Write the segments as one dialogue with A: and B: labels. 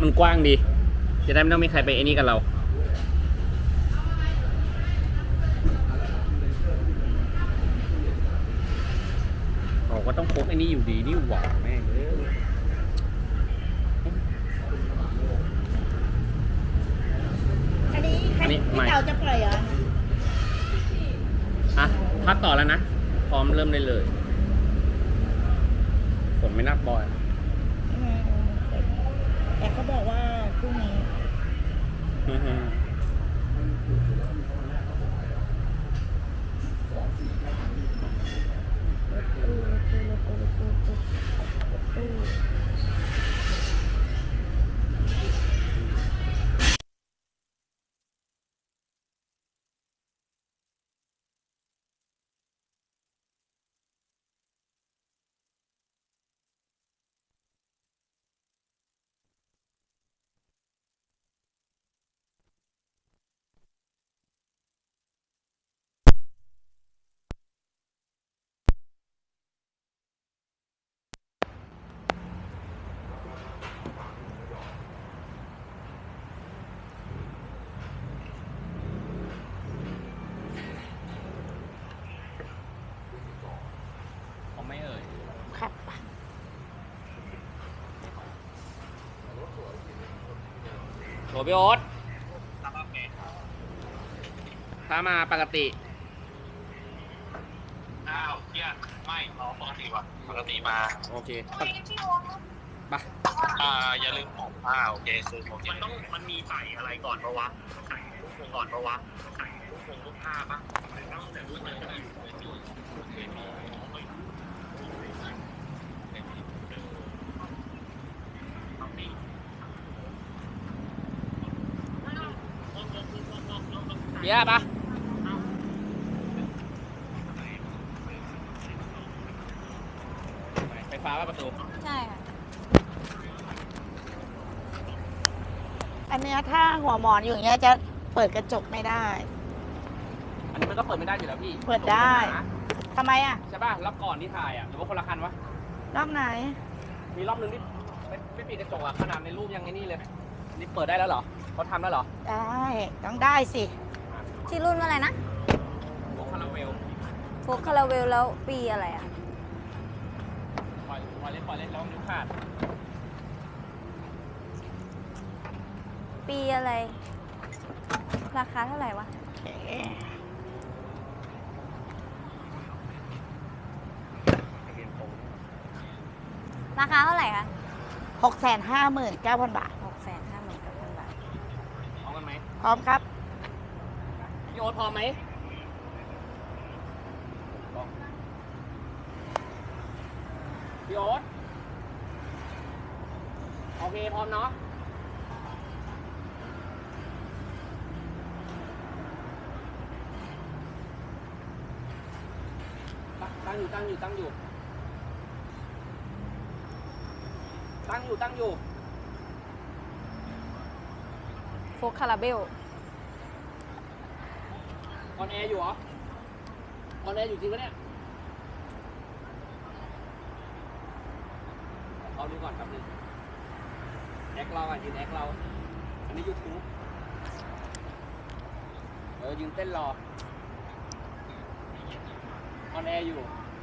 A: มันกว้างดีจะได้ไม่ต้องมีใครไปไอ้นี่กับเราเราก็ต้องพกไอ้นี่อยู่ดีนี่หว่าแม่งเลย
B: อันนี้พี่เต๋าจะปล่อยเหรอ
A: อ่ะพักต่อแล้วนะพร้อมเริ่มได้เลยฝนไม่นับบ่อย
B: แต่เขาบอกว่าพรุ่งนี้
A: ไม่เอ่ย
B: ครับ
A: โหพี่โอ๊ตถ้ามาปกติ
C: อ้าวเฮียไม่ปกติว่ะปกติมา
A: โอเคไป
C: อย่าลืมของโอเคคือมันมีใส่อะไรก่อนปะวะใส่ลูกโป่งก่อนปะวะใส่ลูกผ้าปะต้องแต่ลูกมันก็อยู่
A: เบี้ยปะไฟฟ้าป่ะประตู
B: ใช่ค่ะอันเนี้ยถ้าหัวหมอนอยู่อย่างเงี้ยจะเปิดกระจกไม่ได้
A: อันนี้มันก็เปิดไม่ได้อยู่แล้วพี่
B: เปิดได้ทำไมอ่ะ
A: ใช่ป่ะรอบก่อนที่ถ่ายอ่ะหรือว่าคนละคันวะ
B: รอบไหน
A: มีรอบนึงที่ไม่ปิดกระจกอ่ะขนาดในรูปยังไงนี่เลยนี่เปิดได้แล้วเหรอเขาทำแล้วเหรอ
B: ได้ต้องได้สิ
D: ชื่อรุ่นว่าอะไรนะ
A: โฟคาราเวล
D: โฟคาราเวลแล้วปีอะไรอ่ะ
A: ปล่อยเล่นแล้วนิ้วขาด
D: ปีอะไรราคาเท่าไหร่วะราคาเท่าไหร่คะ
B: 659,000 บาท
D: 659,000 บาท
A: พร้อมกันไหม
B: พร้อมครับ
A: พี่โอ๊ตพร้อมไหมพี่โอ๊ตโอเคพร้อมเนาะตั้งอยู่
D: โฟคาราเบล
A: ออนแอร์อยู่เหรอออนแอร์อยู่จริงปะเนี่ยเอาดูก่อนครับนึงแอคเราอ่ะยืนแอคเราอันนี้ YouTube ยืนเต้นรอออนแอร์อยู่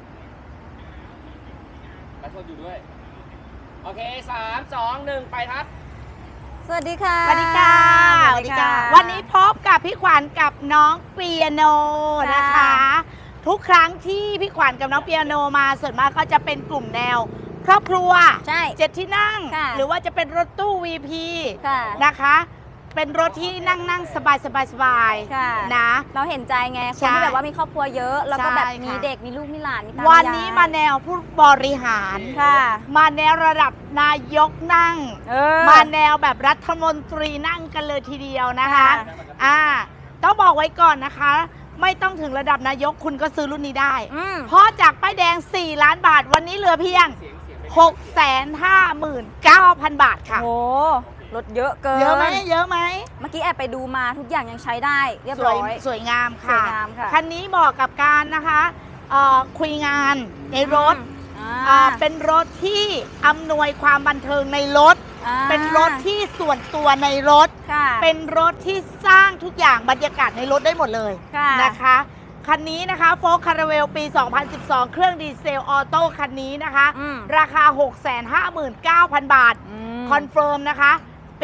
A: ไลฟ์สดอยู่ด้วยโอเค3 2 1ไปครับ
D: สวัสดีค่ะ
B: สวัสดีค่ะสวัสดีค่ะวันนี้พบกับพี่ขวัญกับน้องเปียโนนะคะทุกครั้งที่พี่ขวัญกับน้องเปียโนมาส่วนมากก็จะเป็นกลุ่มแนวครอบครัว
D: ใช่
B: 7 ที่นั่งหรือว่าจะเป็นรถตู้ VP นะคะเป็นรถที่นั่งสบายนะ
D: เราเห็นใจไงคนที่แบบว่ามีครอบครัวเยอะแล้วก็แบบมีเด็กมีลูกมีหลานมีตา
B: วันนี้มาแนวผู้บริหารมาแนวระดับนายกนั่งมาแนวแบบรัฐมนตรีนั่งกันเลยทีเดียวนะคะต้องบอกไว้ก่อนนะคะไม่ต้องถึงระดับนายกคุณก็ซื้อรุ่นนี้ได้เพราะจากป้ายแดง4 ล้านบาทวันนี้เหลือเพียง659,000 บาทค่ะ
D: โอ้ลดเยอะเกิน
B: เยอะไหมเ
D: มื่อกี้แอบไปดูมาทุกอย่างยังใช้ได้เรียบร้อย
B: สวยงามค่ะคันนี้เหมาะกับการนะคะคุยงานในรถเป็นรถที่อำนวยความบันเทิงในรถเป็นรถที่ส่วนตัวในรถ
D: ค่ะ
B: เป็นรถที่สร้างทุกอย่างบรรยากาศในรถได้หมดเลย
D: ค่ะ
B: นะคะคันนี้นะคะโฟล์คาราเวลปี 2012 เครื่องดีเซลออโต้คันนี้นะคะ
D: อืม
B: ราคา 659,000 บาท คอนเฟิร์มนะคะ ปี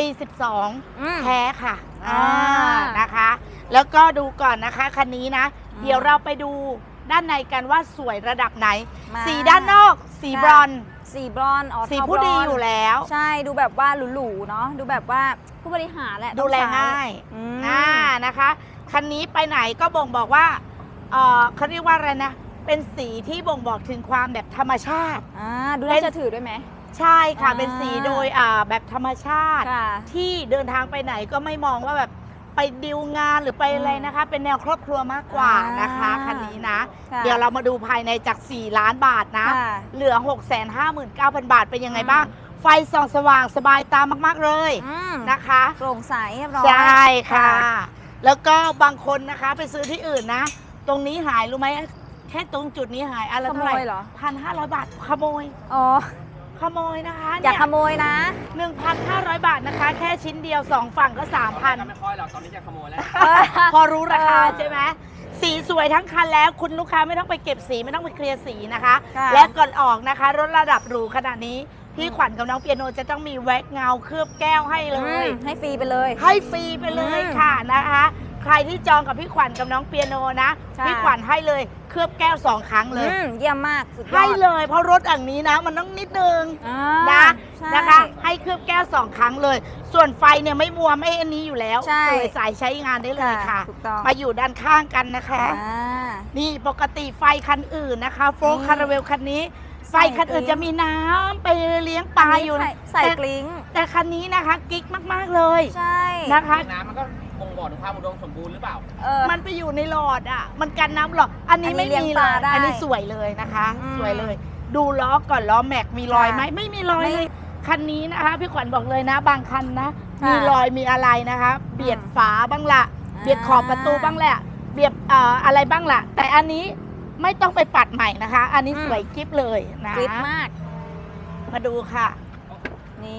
B: 12 แท้ค่ะ
D: อ่า
B: นะคะ แล้วก็ดูก่อนนะคะคันนี้นะ
D: อืม
B: เดี๋ยวเราไปดูด้านในกันว่าสวยระดับไหน
D: มา
B: สีด้านนอกสีบรอนซ์
D: สีบรอนซ์อ๋อ
B: สี
D: เทา
B: ผู้ดี
D: บรนซ์
B: อยู่แล้ว
D: ใช่ดูแบบว่าหรูๆเนาะดูแบบว่าผู้บริหารแหละ
B: ดูแล
D: ต้องใช้
B: ง่าย
D: อืม
B: นะคะคันนี้ไปไหนก็บ่งบอกว่าเขาเรียกว่าอะไรนะ เป็นสีที่บ่งบอกถึงความแบบธรรมชาติ
D: ดูน่าจะถือด้วยไหม
B: ใช่ค่ะ
D: อ่า
B: เป็นสีโดยแบบธรรมชาติ
D: ค่ะ
B: ที่เดินทางไปไหนก็ไม่มองว่าแบบไปดิวงานหรือไปอะไรนะคะ เป็นแนวครอบครัวมากกว่านะคะคันนี้นะ
D: ค่ะ
B: เดี๋ยวเรามาดูภายในจาก 4 ล้านบาทนะ
D: ค่ะ
B: เหลือ 659,000 บาทเป็นยังไงบ้าง ไฟส่องสว่างสบายตามากๆเลย
D: อืม
B: นะคะ
D: โปร่งใสเรียบร้อย
B: ใช่ค่ะ แล้วก็บางคนนะคะไปซื้อที่อื่นนะ ตรงนี้หายรู้ไหมแค่ตรงจุดนี้หายอะไร
D: ขโม
B: เท่าไหร่
D: ยเหรอ
B: 1,500 บาทขโมย
D: อ๋อ
B: ขโมยนะคะ
D: อย่าขโมยนะ
B: 1,500 บาทนะคะ แค่ชิ้นเดียว 2 ฝั่งก็
A: ตอนนี้ก็
B: 3,000
A: ไม่ค่อยหรอกตอนนี้จะขโมยแล้ว
B: พอรู้ราคาใช่ไหมสีสวยทั้งคันแล้วคุณลูกค้าไม่ต้องไปเก็บสีไม่ต้องไปเคลียร์สีนะคะ
D: ค่ะ
B: และก่อนออกนะคะรถระดับหรูขนาดนี้พี่ขวัญกับน้องเปียโนจะต้องมีแว็กเงาเคลือบแก้วให้เลย
D: ให้ฟรีไปเลย
B: ให้ฟรีไปเลยค่ะนะคะ ใครที่จองกับพี่ขวัญกับน้องเปียโนนะ
D: ค่ะ
B: พี่ขวัญให้เลยเคลือบแก้ว 2 ครั้งเลย
D: เยี่ยมมากสุดยอด
B: ให้เลยเพราะรถอย่างนี้นะ มันต้องนิดนึง
D: อ่า
B: นะ
D: ใช่
B: นะคะ ให้เคลือบแก้ว 2 ครั้งเลย ส่วนไฟเนี่ยไม่มัวไม่อันนี้อยู่แล้ว
D: ใช่
B: เลยสายใช้งานได้เลยค่ะ
D: ถูกต้อง
B: มาอยู่ด้านข้างกันนะคะ
D: อ่า
B: นี่ปกติไฟคันอื่นนะคะโฟล์
D: นี่
B: คาราเวลคันนี้ ไฟคันอื่น
D: ใส่กลิ้ง
B: จะมีน้ำไปเลี้ยงปลาอยู่
D: ใส่กลิ้ง
B: แต่คันนี้นะคะกิ๊กมากๆเลย
D: ใช่
B: นะคะ
A: น้ำมันก็บ่งบอกถึงความอุดมสมบูรณ์หรือเปล่า
B: มันไปอยู่ในหลอดอ่ะ มันกันน้ำหรอกอันนี้
D: อันนี้
B: ไม่
D: เลี้ยง
B: มี
D: ป
B: เล
D: ลาย ได้
B: อันนี้สวยเลยนะคะ
D: อืม
B: สวยเลย ดูล้อก่อนล้อแม็กมีรอยไหม
D: ค่ะ
B: ไม่มีรอย
D: ไม่
B: เลยคันนี้นะคะพี่ขวัญบอกเลยนะ บางคันนะ
D: ค่ะ
B: มีรอยมีอะไรนะคะ เบียดฝาบ้างละ
D: อ่า
B: เบียดขอบประตูบ้างแหละเบียดอะไรบ้างละแต่อันนี้ไม่ต้องไปปัดใหม่นะคะ อันนี้สวยกิ๊บเลยนะ
D: กริบมาก
B: มาดูค่ะ
D: นี่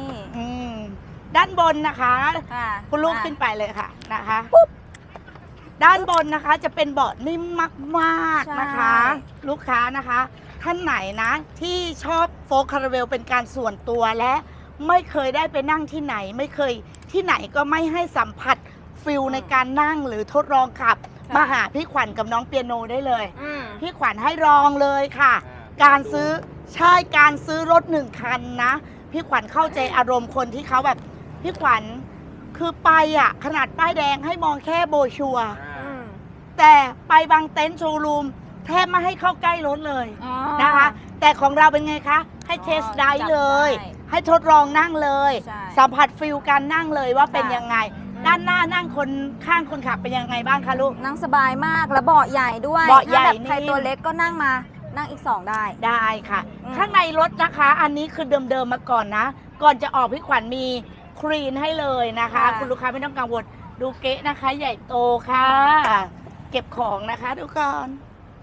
B: อืมด้านบนนะคะ
D: ค่ะ
B: คุณลูก
D: อ่ะ
B: ขึ้นไปเลยค่ะนะคะ ด้านบนนะคะจะเป็นเบาะนิ่มมากๆนะคะ
D: ใช่
B: ลูกค้านะคะ ท่านไหนนะที่ชอบโฟล์คาราเวลเป็นการส่วนตัวและไม่เคยได้ไปนั่งที่ไหน ไม่เคยที่ไหนก็ไม่ให้สัมผัสฟิลในการนั่งหรือทดลองขับ มาหาพี่ขวัญกับน้องเปียโนได้เลย
D: อืม
B: พี่ขวัญให้ลองเลยค่ะ การซื้อการซื้อรถ1 คันนะ พี่ขวัญเข้าใจอารมณ์คนที่เขาแบบพี่ขวัญคือไปขนาดป้ายแดงให้มองแค่โบรชัวร์
D: อืม
B: แต่ไปบางเต็นท์โชว์รูมแทบไม่ให้เข้าใกล้รถเลย
D: อ๋อ
B: นะคะ แต่ของเราเป็นไงคะ ให้เทสได้เลย
D: จับได้
B: ให้ทดลองนั่งเลย
D: ใช่
B: สัมผัสฟิลการนั่งเลยว่าเป็น
D: ค่ะ
B: ยังไง ด้านหน้านั่งคนข้างคนขับเป็นยังไงบ้างคะลูก
D: นั่งสบายมากแล้วเบาะใหญ่ด้วย
B: เบาะใหญ่
D: ถ้าแบบใคร
B: นี่
D: ตัวเล็กก็นั่งมานั่งอีก 2 ได้
B: ได้ค่ะ
D: อืม
B: ข้างในรถนะคะ อันนี้คือเดิมๆมาก่อนนะ ก่อนจะออกพี่ขวัญมีคลีนให้เลยนะคะ คุณลูกค้าไม่ต้องกังวลดูเก๊ะนะคะ ใหญ่โตค่ะ เก็บของนะคะทุกคน